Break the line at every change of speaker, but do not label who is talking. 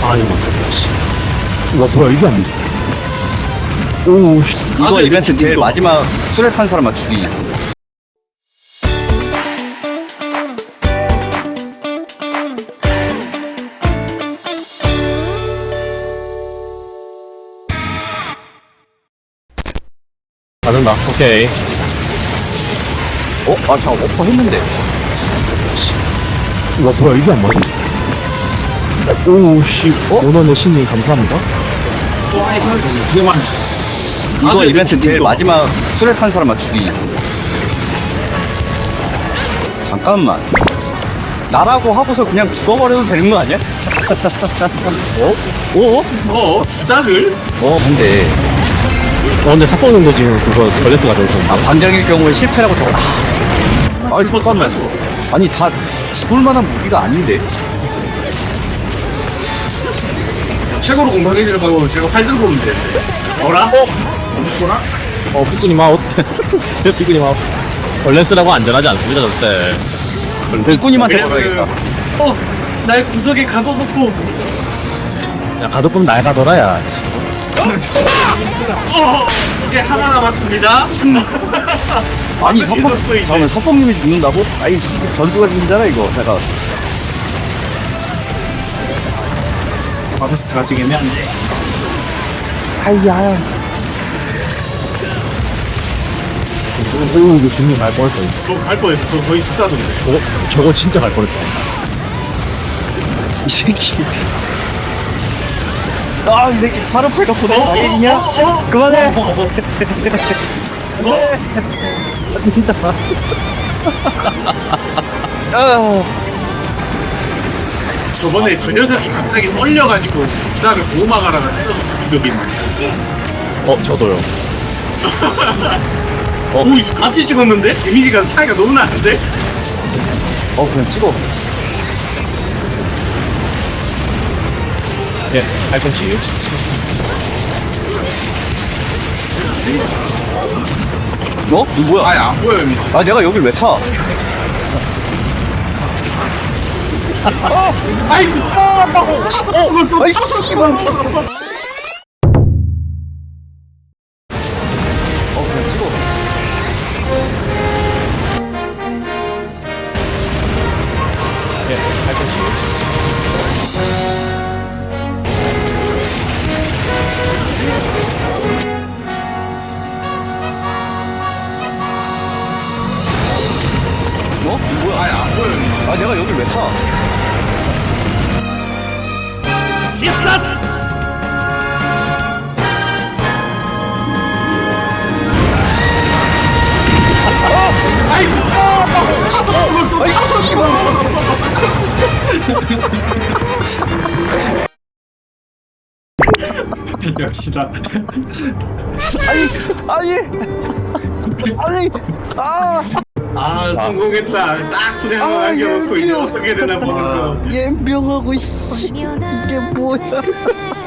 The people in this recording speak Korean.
이거 와 뭐야 이게 안 돼. 오 씨.
이거 이벤트 제일 마지막 술에 탄 사람만 죽이기.
가는다. 오케이.
저 오퍼 했는데.
와 뭐야 이게 안 맞아. 오씨. 원원의 신님 감사합니다.
와 이거 되게 많이.
이거 이벤트 제일 마지막 술에 탄 사람만 죽이기. 잠깐만. 나라고 하고서 그냥 죽어버려도 되는 거 아니야?
주작을?
근데
근데 사건 정도 지금 그거 걸레스가 돼 있었는데.
반장일 경우에 실패라고 적어. 아니 잠깐만. 아니 다 죽을 만한 무기가 아닌데.
최고로 공방해주는 방법은 제가 활 들고 오면 되는데. 어라? 어라?
삐꾸님 아웃. 삐꾸님 아웃. 걸레스라고 안전하지 않습니다 절대.
일꾼님한테
왜냐면
걸어야겠다.
날 구석에 가둬놓고
야 가도끔 날 가더라야.
이제 하나 남았습니다.
아니
있었어, 이제.
잠깐만 석범님이 죽는다고? 아이씨 전수가 죽는잖아 이거. 내가
바보스가 지금 애매한데.
이거 중님 갈 뻔했어.
갈 뻔했어. 저 거의 14도인데.
저거 진짜 갈 뻔했다.
이 새끼. 이 새끼 바로 패가 보내. 아니냐? 그만해.
저번에 저 녀석이 갑자기 떨려가지고 그 다음에 보호막하다가 찔러서 죽인 적이 있는데.
저도요.
오, 이거 같이 찍었는데? 데미지가 차이가 너무 나는데?
그냥 찍어.
예, 팔꿈치.
이거 뭐야?
아니, 안 보여요, 이거.
내가 여길 왜 타?
아이고!
아이 씨발. 그냥 찍어.
예, 팔꿈치.
이거 뭐야?
아니, 안 보여요, 이거.
내가 여길 왜 타?
역시다. 성공했다. 딱 수리 하나 남겨놓고 이제 어떻게 되나 보는 거.
연병하고 이게 뭐야?